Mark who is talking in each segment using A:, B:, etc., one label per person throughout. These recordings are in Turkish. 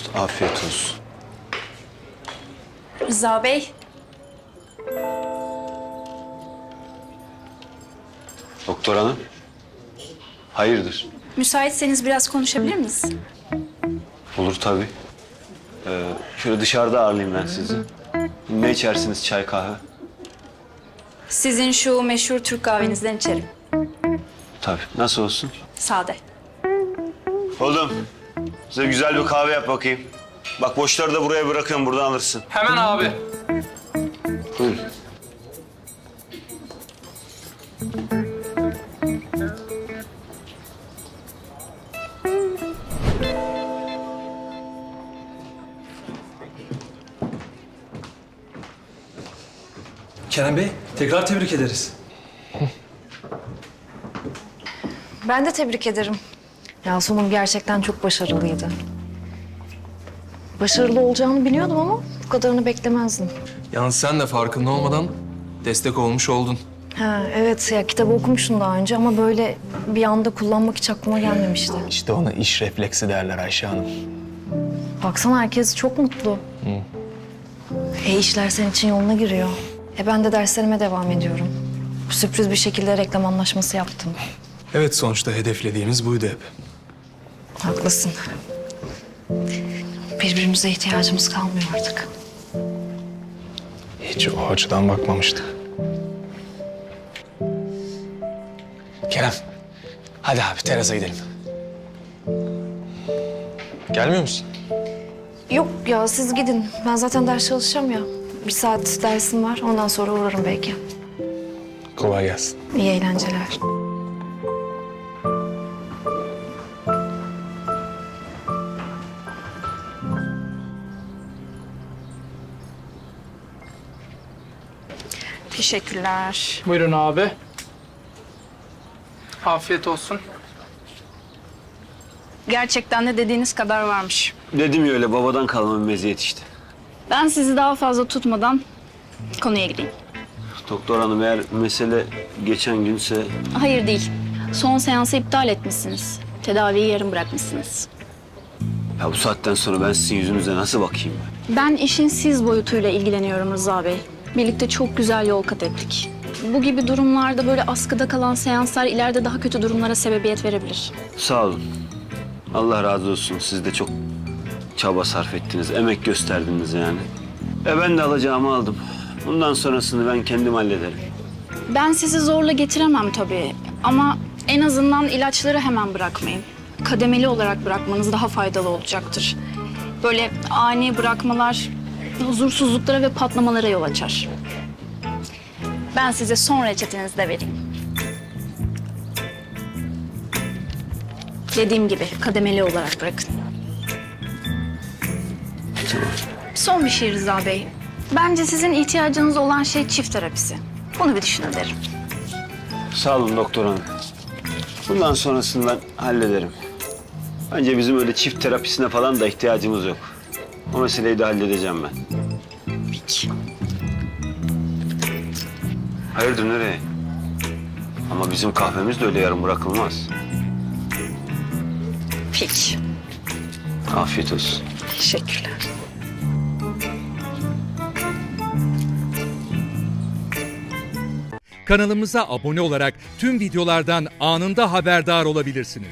A: Afiyet olsun.
B: Rıza Bey,
A: Doktor hanım. Hayırdır?
B: müsaitseniz biraz konuşabilir miyiz?
A: Olur tabii. Şöyle dışarıda ağırlayayım ben sizi. Ne içersiniz, çay, kahve?
B: Sizin şu meşhur Türk kahvenizden içerim.
A: Tabii. Nasıl olsun?
B: Sade.
A: Oğlum, size güzel bir kahve yap bakayım. Bak boşları da buraya bırakıyorum, buradan alırsın.
C: Hemen abi.
A: Buyurun.
D: Kerem Bey, tekrar tebrik ederiz.
E: Ben de tebrik ederim. Ya sunum gerçekten çok başarılıydı. Başarılı olacağını biliyordum ama bu kadarını beklemezdim.
D: Yalnız sen de farkında olmadan destek olmuş oldun.
E: Ha, evet ya kitabı okumuştum daha önce ama böyle bir anda kullanmak hiç aklıma gelmemişti.
F: İşte ona iş refleksi derler Ayşe Hanım.
E: Baksana herkes çok mutlu. İşler senin için yoluna giriyor. Ben de derslerime devam ediyorum. Sürpriz bir şekilde reklam anlaşması yaptım.
D: Evet, sonuçta hedeflediğimiz buydu hep.
E: Haklısın. Birbirimize ihtiyacımız kalmıyor artık.
F: Hiç o açıdan bakmamıştık. Kerem, hadi abi terasa gidelim. Gelmiyor musun?
E: Yok ya siz gidin. Ben zaten ders çalışacağım ya. Bir saat dersim var. Ondan sonra uğrarım belki.
F: Kolay gelsin.
E: İyi eğlenceler.
B: Teşekkürler.
C: Buyurun abi. Afiyet olsun.
B: Gerçekten de dediğiniz kadar varmış.
A: Dedim ya öyle babadan kalma bir meziyet işte.
B: Ben sizi daha fazla tutmadan konuya gireyim.
A: Doktor hanım eğer mesele geçen günse...
B: Hayır değil. Son seansı iptal etmişsiniz. Tedaviyi yarım bırakmışsınız.
A: Ya bu saatten sonra ben sizin yüzünüze nasıl bakayım ben?
B: Ben işin siz boyutuyla ilgileniyorum Rıza Bey. Birlikte çok güzel yol kat ettik. Bu gibi durumlarda böyle askıda kalan seanslar ileride daha kötü durumlara sebebiyet verebilir.
A: Sağ olun. Allah razı olsun. Siz de çok çaba sarf ettiniz, emek gösterdiniz yani. Ben de alacağımı aldım. Bundan sonrasını ben kendim hallederim.
B: Ben sizi zorla getiremem tabii. Ama en azından ilaçları hemen bırakmayın. Kademeli olarak bırakmanız daha faydalı olacaktır. Böyle ani bırakmalar huzursuzluklara ve patlamalara yol açar. Ben size son reçetenizi de vereyim. Dediğim gibi kademeli olarak bırakın. Son bir şey Rıza Bey. Bence sizin ihtiyacınız olan şey çift terapisi. Bunu bir düşünün derim.
A: Sağ olun doktor hanım. Bundan sonrasını ben hallederim. Bence bizim öyle çift terapisine falan da ihtiyacımız yok. O meseleyi de halledeceğim ben.
B: Peki.
A: Hayırdır nereye? Ama bizim kahvemiz de öyle yarım bırakılmaz.
B: Peki.
A: Afiyet olsun.
B: Teşekkürler.
G: Kanalımıza abone olarak tüm videolardan anında haberdar olabilirsiniz.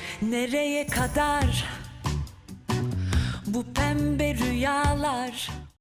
H: Nereye kadar bu pembe rüyalar?